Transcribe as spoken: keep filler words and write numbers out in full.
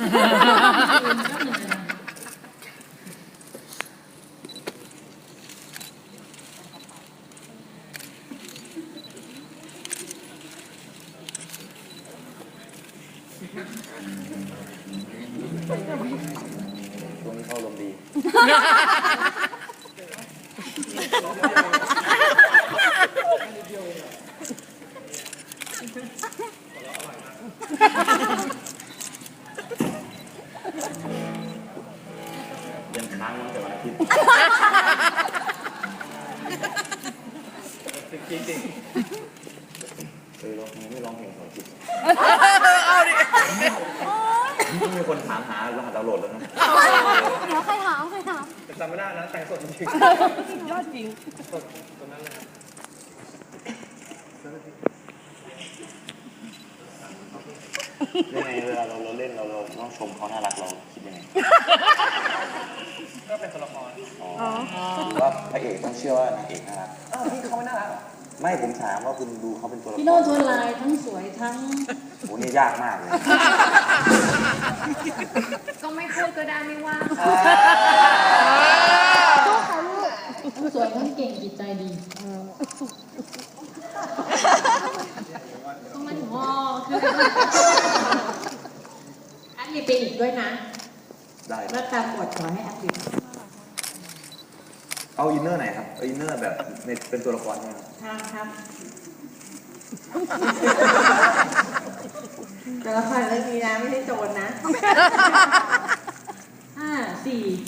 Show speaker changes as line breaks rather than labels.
ตัวนี้เข้าลมดียังค้างตั้งแต่วันอาทิตย์จริงจริงเออร้องไม่ร้องเพลงสอนจิตเอาดิมีคนถามหารหัสดาวน์โหลดแล้วนะ
เดี๋ยวใครถามใครถาม
จำไม่ได้นะแต่งสดจริง
ยอดจริง
สดตรงนั้นเลย
ยังไงเวลาเราเราเล่นเราเราต้องชมเขาน่ารักเราคิดยังไง
ก็เป็นตัวละคร
อ๋อหรือว่าพระเอกต้องเชื่อว่านางเอกน่ารัก
อ้าวพี่เขาไม่น่ารักหรอ
ไม่ผมถามว่าคุณดูเขาเป็นตัวละคร
พี่โน้ตชวนลายทั้งสวยทั้ง
โอ้นี่ยากมากเลย
ก็ไม่พูดก็ได้ไม่ว่า
ก็เขาลูกทั้งสวยทั้งเก่งจิตใจดีต้องมันงอคือแอดมินไปอีกด้วยนะ
ได้
แล้วตามกดขอให้แอดมิน
เอาอินเนอร์ไหนครับเอาอินเนอร์แบบในเป็นตัวละครใช่ไหม
ครับครับแต่ละครเรื่องนี้นะไม่ใช่โจรนะห้าสี่